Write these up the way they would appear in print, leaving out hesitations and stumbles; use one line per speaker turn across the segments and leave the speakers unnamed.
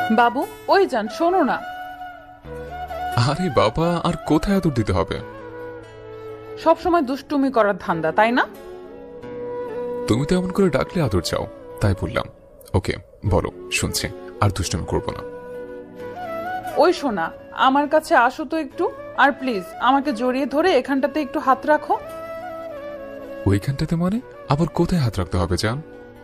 বাবু, ওই যান, শোনো না।
আরে বাবা, আর কোথায় আদর দিতে হবে?
সব সময় দুষ্টুমি করার ধান্দা, তাই না?
তুমি তো এমন করে ডাকলে আদর চাও, তাই বললাম। ওকে, বলো, শুনছি। আর দুষ্টুমি করবো না।
ওই শোনা, আমার কাছে আসো তো একটু। আর প্লিজ আমাকে জড়িয়ে ধরে এখানটাতে একটু হাত রাখো।
ওইখানটাতে মানে? আবার কোথায় হাত রাখতে হবে জান?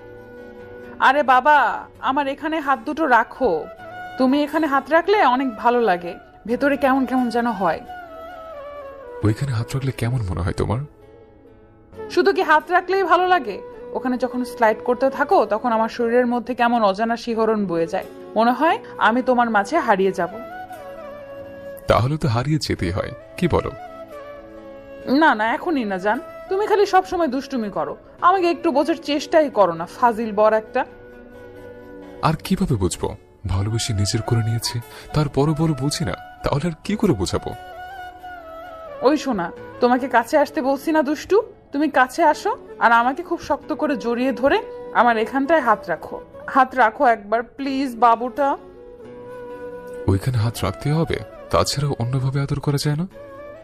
আরে বাবা, আমার এখানে হাত দুটো রাখো। তুমি এখানে হাত রাখলে অনেক ভালো লাগে, ভেতরে কেমন কেমন যেন হয়।
ওইখানে হাত রাখলে কেমন মনে হয় তোমার?
শুধু কি হাত রাখলেই ভালো লাগে? ওখানে যখন স্লাইড করতে থাকো তখন আমার শরীরের মধ্যে কেমন অজানা শিহরণ বয়ে যায়, মনে হয় আমি তোমার মাঝে হারিয়ে যাব।
তাহলে তো হারিয়ে যেতেই হয়, কি বলো?
না না, এখনই না জান। তুমি খালি সব সময় দুষ্টুমি করো, আমাকে একটু বোঝার চেষ্টাই করো না, ফাজিল বর একটা।
আর কিভাবে বুঝবো? ভালোবেসে নিজের করে নিয়েছি, তারপরও বড় বুঝি না, তাহলে আর কি করে বোঝাবো?
ওই শোনা, তোমাকে কাছে আসতে বলছি না দুষ্টু? তুমি কাছে আসো আর আমাকে খুব শক্ত করে জড়িয়ে ধরে আমার এখানটায় হাত রাখো। হাত রাখো একবার প্লিজ বাবুটা।
ওইখানে হাত রাখতে হবে, তাছাড়া অন্যভাবে আদর করা যায় না?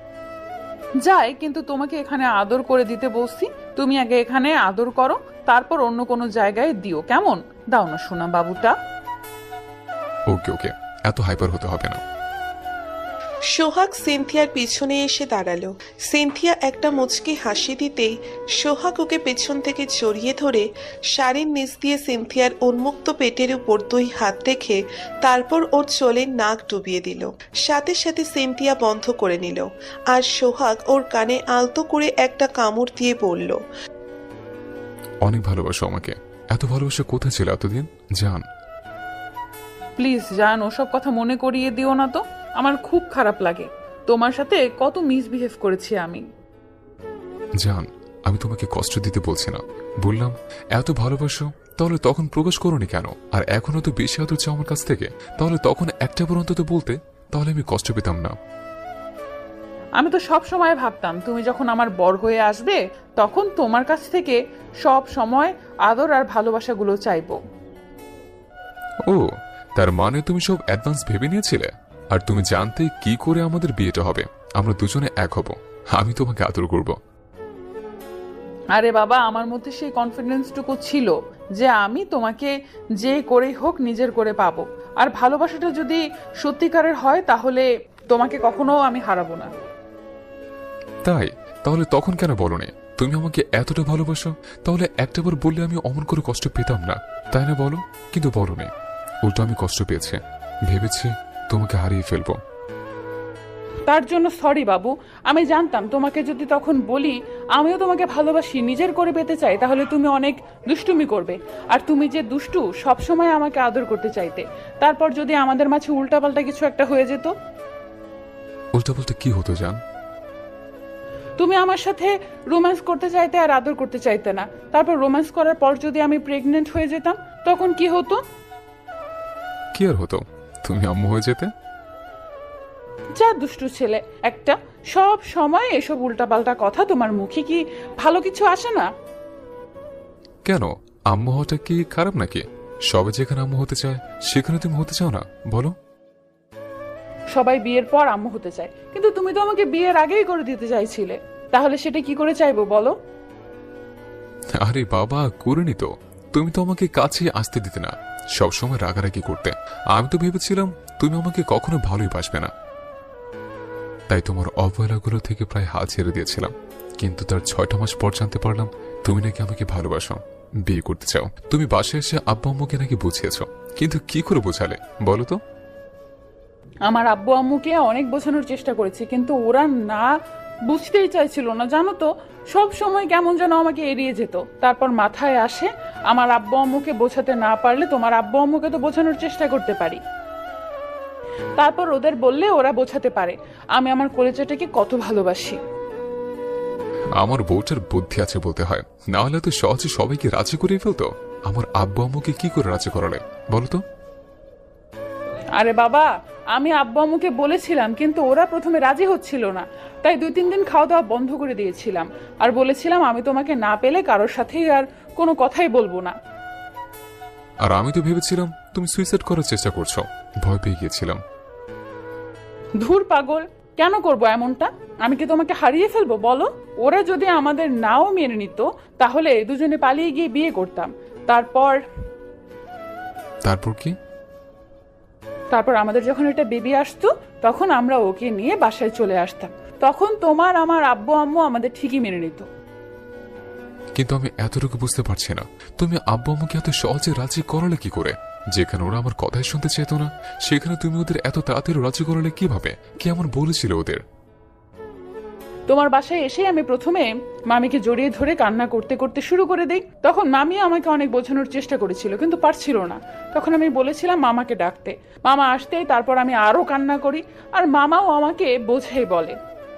যায়, কিন্তু তোমাকে এখানে আদর করে দিতে বলছি। তুমি আগে এখানে আদর করো, তারপর অন্য কোনো জায়গায় দিও, কেমন? দাও না শোনা বাবুটা।
ওকে ওকে, এত হাইপার হতে হবে না।
সোহাগ সিনথিয়ার পিছনে এসে দাঁড়ালো। সিনথিয়া একটা মুচকি হাসি দিতেই সোহাগ ওকে পেছন থেকে জড়িয়ে ধরে শাড়ির নিচ দিয়ে সিনথিয়ার উন্মুক্ত পেটের উপর 2 হাত রেখে তারপর ওর চোলে নাক ডুবিয়ে দিল। সাথে সাথে সিনথিয়া বন্ধ করে নিল, আর সোহাগ ওর কানে আলতো করে একটা কামড় দিয়ে বলল,
অনেক ভালোবাসো আমাকে। এত ভালোবাসা কোথায় ছিল এতদিন জান?
প্লিজ জান, ওসব কথা মনে করিয়ে দিও না তো। আমার খুব খারাপ লাগে, তোমার সাথে কত মিসবিহেভ করেছি আমি।
জান, আমি তোমাকে কষ্ট দিতে বলছি না, বললাম এত ভালোবাসো, তাহলে তখন প্রকাশ করোনি কেন? আর এখনো তো বেশি আদর চাও আমার কাছ থেকে, তাহলে তখন একটা বার অন্তত বলতে, তাহলে আমি কষ্ট পেতাম না।
আমি তো সব সময় ভাবতাম তুমি যখন আমার বর হয়ে আসবে তখন তোমার কাছ থেকে সব সময় আদর আর ভালোবাসাগুলো চাইবো।
ও, তার মানে তুমি সব অ্যাডভান্স ভেবে নিয়েছিলে? আর তুমি জানতে কি করে আমাদের বিয়েটা হবে, আমরা দুজনে এক হব, আমি তোমাকে আদর করব।
আরে বাবা, আমার মধ্যে সেই কনফিডেন্সটুকু ছিল যে আমি তোমাকে যে করেই হোক নিজের করে পাবো। আর ভালোবাসাটা যদি সত্যিকারের হয় তাহলে তোমাকে কখনো আমি হারাবো না।
তাই? তাহলে তখন কেন বলনি তুমি আমাকে এতটা ভালোবাসো? তাহলে একটাবার বললে আমি অমন করে কষ্ট পেতাম না, তাই না বলো? কিন্তু বলনি, উল্টো আমি কষ্ট পেয়েছি, ভেবেছি তোমাকে হারিয়ে ফেলবো।
তার জন্য সরি বাবু। আমি জানতাম তোমাকে যদি তখন বলি আমিও তোমাকে ভালোবাসি, নিজের করে পেতে চাই, তাহলে তুমি অনেক দুষ্টুমি করবে। আর তুমি যে দুষ্টু, সব সময় আমাকে আদর করতে চাইতে। তারপর যদি আমাদের মাঝে উল্টাপাল্টা কিছু একটা হয়ে যেত?
উল্টা বলতে কি হতো জান?
তুমি আমার সাথে রোম্যান্স করতে চাইতে আর আদর করতে চাইতে না। তারপর রোম্যান্স করার পর যদি আমি প্রেগনেন্ট হয়ে যেতাম তখন কি হতো?
কি আর হতো? তুমি আম্মু হয়ে যেতে।
যা দুষ্টু ছেলে একটা, সব সময় এসব উল্টাপাল্টা কথা তোমার মুখে, কি ভালো কিছু আসে না?
কেন, আম্মু হওয়াটা কি খারাপ নাকি? সবে যেখানে আম্মু হতে চায় সেখানে তুমি হতে চাও না, বলো?
সবাই বিয়ের পর আম্মু হতে চায়, কিন্তু তুমি তো আমাকে বিয়ের আগেই করে দিতে চাইছিলে। তাহলে সেটা কি করে চাইবো বলো?
আরে বাবা, করিনি তো। তুমি তো আমাকে কাছে আসতে দিতে না, সবসময় রাগারাগি করতে। আমি তো ভেবেছিলাম তুমি আমাকে কখনো ভালোই বাসবে না, তাই তোমার অবহেলাগুলো থেকে প্রায় হাল ছেড়ে দিয়েছিলাম। কিন্তু তার 6টা মাস পর জানতে পারলাম তুমি নাকি আমাকে ভালোবাসো, বিয়ে করতে চাও। তুমি বাসায় এসে আব্বা আম্মুকে নাকি বুঝিয়েছ, কিন্তু কি করে বোঝালে বলো তো?
আমার আব্বু আম্মুকে অনেক বোঝানোর চেষ্টা করেছি, কিন্তু ওরা না বুঝতেই চাইছিল না, জানো তো। সব সময় কেমন যেন আমাকে এড়িয়ে যেত। তারপর মাথায় আসে আমার আব্বু আম্মুকে বোঝাতে না পারলে তোমার আব্বু আম্মুকে তো বোঝানোর চেষ্টা করতে পারি। তারপর ওদের বললে ওরা বোঝাতে পারে আমি আমার কলেজাটাকে কত ভালোবাসি।
আমার বউটার বুদ্ধি আছে বলতে হয়, না হলে তো সহজে সবাইকে রাজি করে ফেলতো। আমার আব্বু আম্মুকে কি করে রাজি করালে বলো তো?
আরে বাবা, আমি আব্বু আম্মুকে বলেছিলাম, কিন্তু ওরা প্রথমে রাজি হচ্ছিল না। তাই 2-3 দিন খাওয়া দাওয়া বন্ধ করে দিয়েছিলাম, আর বলেছিলাম আমি তোমাকে না পেলে কারোর সাথেই আর কোনো কথাই বলবো না।
আর আমি তো ভেবেছিলাম তুমি সুইসাইড করার চেষ্টা করছো। ভয় পেয়ে গিয়েছিলাম।
ধুর পাগল, কেন করব এমনটা? আমি কি তোমাকে হারিয়ে ফেলবো বলো? ওরা যদি আমাদের নাও মেনে নিত তাহলে দুজনে পালিয়ে গিয়ে বিয়ে করতাম। তারপর
তারপর কি?
তারপর আমাদের যখন একটা বেবি আসতো তখন আমরা ওকে নিয়ে বাসায় চলে আসতাম। তখন তোমার আমার আব্বু আম্মু আমাদের ঠিকই মেনে নিত।
কিন্তু আমি এতটুকু বুঝতে পারছি না, তুমি আব্বু আম্মুকে এত সহজে রাজি করালে কি করে? যেখানে ওরা আমার কথাই শুনতে চেত না, সেখানে তুমি ওদের এত তাড়াতাড়ি রাজি করালে কিভাবে? কি এমন বলেছিল ওদের?
তোমার বাসায় এসে আমি প্রথমে মামিকে জড়িয়ে ধরে কান্না করতে করতে শুরু করে দেই। তখন মামি আমাকে অনেক বোঝানোর চেষ্টা করেছিল, কিন্তু পারছিল না। তখন আমি বলেছিলাম মামাকে ডাকতে। মামা আসতেই তারপর আমি আরো কান্না করি, আর মামাও আমাকে বোঝাই বলে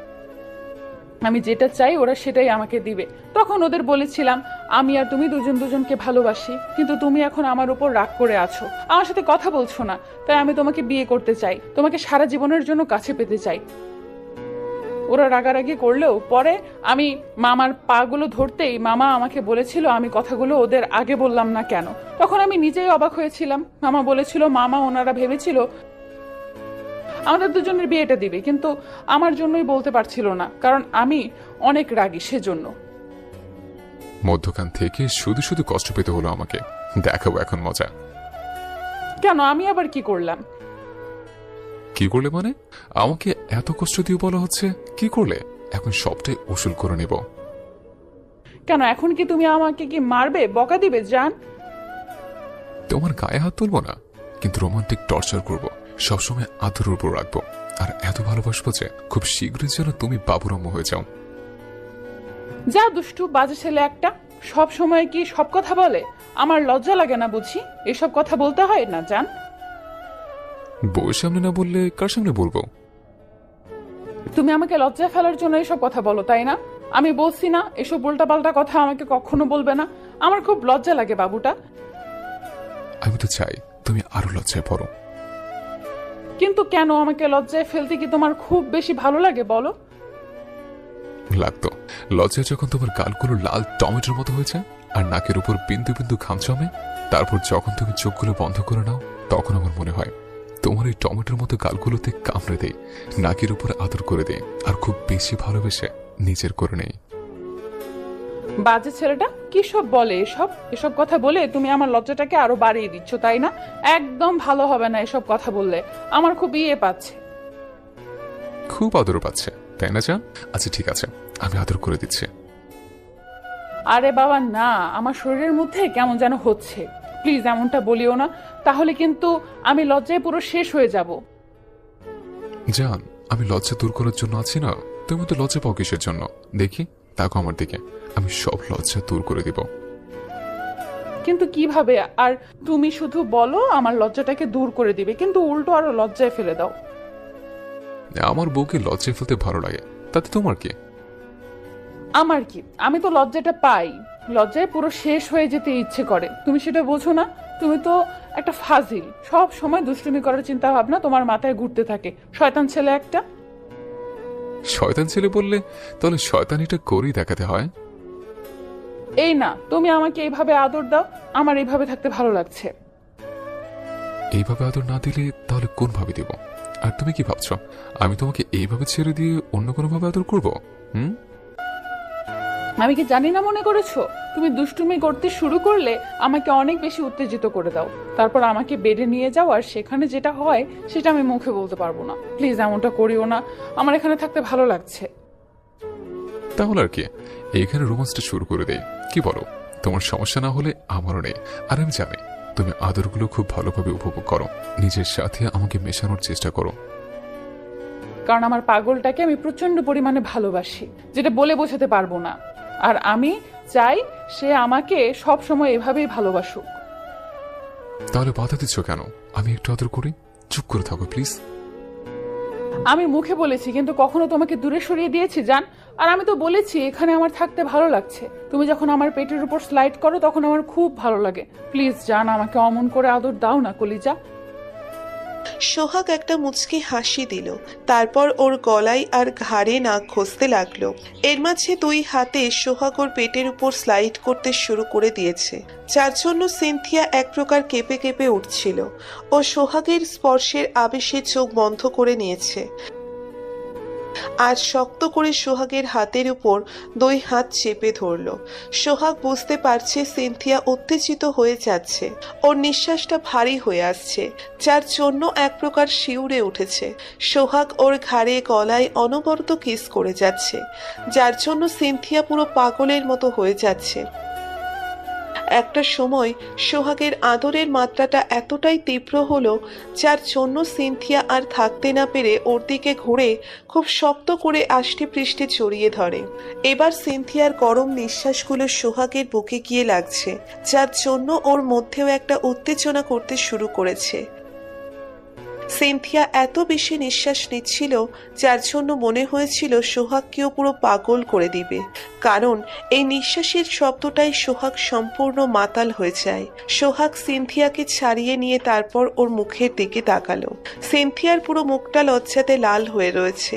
আমি যেটা চাই ওরা সেটাই আমাকে দিবে। তখন ওদের বলেছিলাম আমি আর তুমি দুজন দুজনকে ভালোবাসি, কিন্তু তুমি এখন আমার উপর রাগ করে আছো, আমার সাথে কথা বলছো না, তাই আমি তোমাকে বিয়ে করতে চাই, তোমাকে সারা জীবনের জন্য কাছে পেতে চাই। ওরা রাগারাগি করলেও পরে আমি মামার পাগুলো ধরতেই মামা আমাকে বলেছিল আমি কথাগুলো ওদের আগে বললাম না কেন। তখন আমি নিজেই অবাক হয়েছিলাম। মামা বলেছিল মামা ওনারা ভেবেছিল আমাদের দুজনের বিয়েটা দিবে, কিন্তু আমার জন্যই বলতে পারছিল না, কারণ আমি অনেক রাগী সেজন্য।
মধ্যখান থেকে শুধু শুধু কষ্ট পেতে হলো আমাকে। দেখাবো এখন মজা।
কেন, আমি আবার কি করলাম?
কি করলে মানে? আমাকে এত কষ্ট দিয়ে বলা হচ্ছে কি করলে? এখন সবটাই উসুল করে নেব।
কেন, এখন কি তুমি আমাকে কি মারবে, বকা দিবে জান?
তোমার গায়ে হাত তুলবো না, কিন্তু রোমান্টিক টর্চার করব, সবসময় আদরের উপর রাখবো, আর এত ভালোবাসবো যে খুব শীঘ্রই যেন তুমি বাবুরাম্য হয়ে যাও।
যা দুষ্টু বাজে ছেলে একটা, সব সময় কি সব কথা বলে? আমার লজ্জা লাগে না বুঝি? এসব কথা বলতে হয় না জান।
বউয়ের সামনে না বললে কার সামনে বলবো?
তুমি আমাকে লজ্জা ফেলার জন্য এসব কথা বলো তাই না? আমি বলছি না এসব উল্টাপাল্টা কথা আমাকে কখনো বলবে না। আমার খুব লজ্জা লাগে বাবুটা।
আমি তো চাই তুমি আরো লজ্জায় পড়ো।
কিন্তু কেন, আমাকে লজ্জায় ফেলতে কি তোমার খুব বেশি ভালো লাগে বলো?
লাগতো। লজ্জায় যখন তোমার গালগুলো লাল টমেটোর মতো হয়েছে আর নাকের উপর বিন্দু বিন্দু ঘাম জমে, তারপর যখন তুমি চোখগুলো বন্ধ করে নাও, তখন আমার মনে হয় তোমার এই টমেটোর মতো গালগুলোতে কামড়ে দেই, নাকের উপর আদর করে দেই, আর খুব বেশি ভালোবেসে নিজের করে নেই।
বাজে ছেলেটা কি সব বলে? এসব এসব কথা বলে তুমি আমার লজ্জাটাকে আরো বাড়িয়ে দিচ্ছ তাই না? একদম ভালো হবে না এসব কথা বললে। আমার খুব ইয়ে পাচ্ছে।
খুব আদর পাচ্ছে তাই না জান? আচ্ছা ঠিক আছে, আমি আদর করে দিচ্ছি।
আরে বাবা না, আমার শরীরের মধ্যে কেমন যেন হচ্ছে। প্লিজ এমনটা বলিও না, তাহলে কিন্তু আমি লজ্জায় পুরো শেষ হয়ে যাব।
জান, আমি লজ্জা দূর করার জন্য আছি না। তুমি তো লজ্জা পাও কিসের জন্য? দেখি, তাকো আমার দিকে, আমি সব লজ্জা দূর করে দিব।
কিন্তু কিভাবে? আর তুমি শুধু বলো আমার লজ্জাটাকে দূর করে দিবে, কিন্তু উল্টো আরো লজ্জায় ফেলে দাও।
আমার বউকে লজ্জায় ফেলতে ভালো লাগে, তাতে তোমার কি?
আমার কি, আমি তো লজ্জাটা পাই, লজ্জায় পুরো শেষ হয়ে যেতে ইচ্ছে করে। তুমি সেটা বোঝো না? তুমি তো একটা ফাজিল, সব সময় দুষ্টুমি করার চিন্তা ভাবনা তোমার মাথায় ঘুরতে থাকে। শয়তান ছেলে একটা।
শয়তান ছেলে বললে তাহলে শয়তানিটা করেই দেখাতে হয়।
এই না, তুমি আমাকে এইভাবে আদর দাও, আমার এইভাবে থাকতে ভালো লাগছে।
এইভাবে আদর না দিলে তাহলে কোন ভাবে দিব? আর তুমি কি ভাবছো আমি তোমাকে এইভাবে ছেড়ে দিয়ে অন্য কোনো ভাবে আদর করবো?
আমি কি জানি না মনে করেছো? তুমি দুষ্টুমি করতে শুরু করলে আমাকে অনেক বেশি উত্তেজিত করে দাও, তারপর আমাকে বেডে নিয়ে যাও, আর সেখানে যেটা হয় সেটা আমি মুখে বলতে পারবো না। প্লিজ এমনটা করিও না, আমার এখানে থাকতে ভালো লাগছে।
তাহলে আর কি, এইখানে রোমান্সটা শুরু করে দেই, কি বলো? তোমার সমস্যা না হলে আমারও নেই। আর আমি জানি তুমি আদরগুলো খুব ভালোভাবে উপভোগ করো, নিজের সাথে আমাকে মেশানোর চেষ্টা করো।
কারণ আমার পাগলটাকে আমি প্রচন্ড পরিমাণে ভালোবাসি, যেটা বলে বোঝাতে পারবো না। আর আমি চাই সে আমাকে সব সময় এভাবেই ভালোবাসুক।
তাহলে বাধা দিচ্ছ কেন? আমি একটু আদর করি, চুপ করে থাকো প্লিজ।
আমি মুখে বলেছি, কিন্তু কখনো তোমাকে দূরে সরিয়ে দিয়েছি জান? আর আমি তো বলেছি এখানে আমার থাকতে ভালো লাগছে। তুমি যখন আমার পেটের উপর স্লাইড করো তখন আমার খুব ভালো লাগে। প্লিজ জান, আমাকে অমন করে আদর দাও না কলিজা।
সোহাগ একটা মুচকি হাসি দিল, তারপর ওর গলায় আর ঘাড়ে নাক ঘষতে লাগলো। এর মাঝে দুই হাতে সোহাগ ওর পেটের উপর স্লাইড করতে শুরু করে দিয়েছে, যার জন্য সিনথিয়া এক প্রকার কেঁপে কেঁপে উঠছিল। ও সোহাগের স্পর্শের আবেশে চোখ বন্ধ করে নিয়েছে আর শক্ত করে সোহাগের হাতের উপর দুই হাত চেপে ধরল। সোহাগ বুঝতে পারছে সিনথিয়া উত্তেজিত হয়ে যাচ্ছে, ওর নিঃশ্বাসটা ভারী হয়ে আসছে, যার জন্য এক প্রকার শিউরে উঠেছে। সোহাগ ওর ঘাড়ে গলায় অনবরত কিস করে যাচ্ছে, যার জন্য সিনথিয়া পুরো পাগলের মতো হয়ে যাচ্ছে। একটা সময় সোহাগের আদরের মাত্রাটা এতটাই তীব্র হলো, যার জন্য সিনথিয়া আর থাকতে না পেরে ওর দিকে ঘুরে খুব শক্ত করে আষ্টে পৃষ্ঠে জড়িয়ে ধরে। এবার সিনথিয়ার গরম নিঃশ্বাসগুলো সোহাগের বুকে গিয়ে লাগছে, যার জন্য ওর মধ্যেও একটা উত্তেজনা করতে শুরু করেছে। সিনথিয়া এত বেশি নিঃশ্বাস নিচ্ছিল, যার জন্য মনে হয়েছিল সোহাগকেও পুরো পাগল করে দিবে, কারণ এই নিঃশ্বাসের শব্দটাই সোহাগ সম্পূর্ণ মাতাল হয়ে যায়। সোহাগ সিনথিয়াকে ছাড়িয়ে নিয়ে তারপর ওর মুখের দিকে তাকালো। সিনথিয়ার পুরো মুখটা লজ্জাতে লাল হয়ে রয়েছে,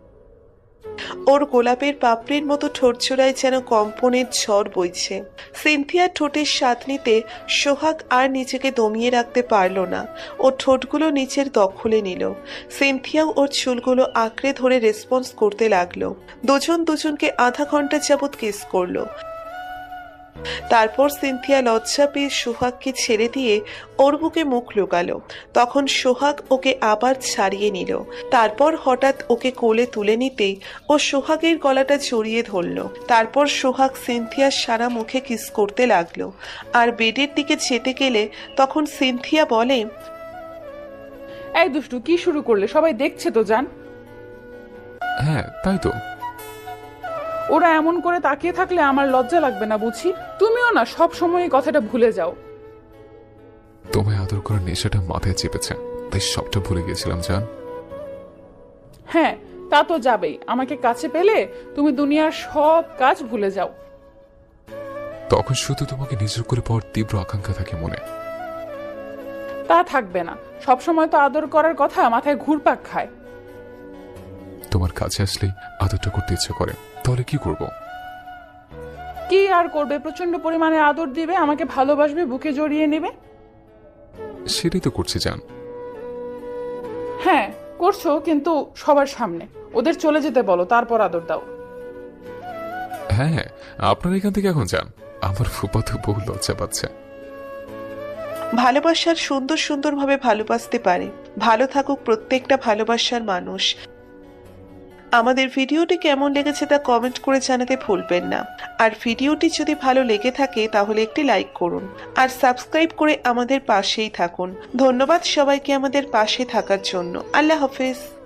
ওর গোলাপের পাপড়ির মতো ঠোঁটজোড়ায় যেন কম্পনের ঝড় বইছে। সিনথিয়ার ঠোঁটের স্বাদ নিতে সোহাগ আর নিজেকে দমিয়ে রাখতে পারল না, ও ঠোঁটগুলো নিচের দখলে নিল। সিনথিয়াও ওর চুলগুলো আঁকড়ে ধরে রেসপন্স করতে লাগলো। দুজন দুজনকে আধা ঘন্টা যাবৎ কিস করলো। তারপর সিনথিয়া লজ্জা পেয়ে সোহাগকে ছেড়ে দিয়ে ওর বুকে মুখ লুকালো। তখন সোহাগ ওকে আবার ছাড়িয়ে নিল, তারপর হঠাৎ ওকে কোলে তুলে নিতেই ও সোহাগের গলাটা জড়িয়ে ধরল। তারপর সোহাগ সিনথিয়ার সারা মুখে কিস করতে লাগলো। আর বেডের দিকে যেতে গেলে তখন সিনথিয়া বলে,
এই দুষ্টু, কি শুরু করলে? সবাই দেখছে তো জান।
হ্যাঁ তাই তো।
ওরা এমন করে তাকিয়ে থাকলে আমার লজ্জা লাগবে না বুঝি? তুমিও না সব সময় এই কথাটা ভুলে যাও।
তোমায় আদর করার নেশাটা মাথায় চেপেছে, তাই সবটা ভুলে গেছিলাম জান।
হ্যাঁ, তা তো যাবেই। আমাকে কাছে পেলে তুমি দুনিয়ার সব কাজ ভুলে যাও।
তখন শুধু তোমাকে নিজের করে পাওয়ার তীব্র আকাঙ্ক্ষা থাকে মনে।
তা থাকবে না, সবসময় তো আদর করার কথা মাথায় ঘুরপাক খায়।
তোমার কাছে আসলেই আদরটা করতে ইচ্ছে করে, তাহলে কি করব?
কি আর করবে? প্রচন্ড পরিমাণে আদর দিবে, আমাকে ভালোবাসবে, বুকে জড়িয়ে নেবে।
সেটাই তো করছি জান।
হ্যাঁ করছো, কিন্তু সবার সামনে। ওদের চলে যেতে বলো, তারপর আদর দাও।
হ্যাঁ, আপনার এখান থেকে এখন যান, আমার ফুপাতো বহু লজ্জা পাচ্ছে।
ভালোবাসার সুন্দর সুন্দরভাবে ভালোবাসতে পারে। ভালো থাকুক প্রত্যেকটা ভালোবাসার মানুষ। আমাদের ভিডিওটি কেমন লেগেছে তা কমেন্ট করে জানাতে ভুলবেন না। আর ভিডিওটি যদি ভালো লেগে থাকে তাহলে একটি লাইক করুন আর সাবস্ক্রাইব করে আমাদের পাশেই থাকুন। ধন্যবাদ সবাইকে আমাদের পাশে থাকার জন্য। আল্লাহ হাফেজ।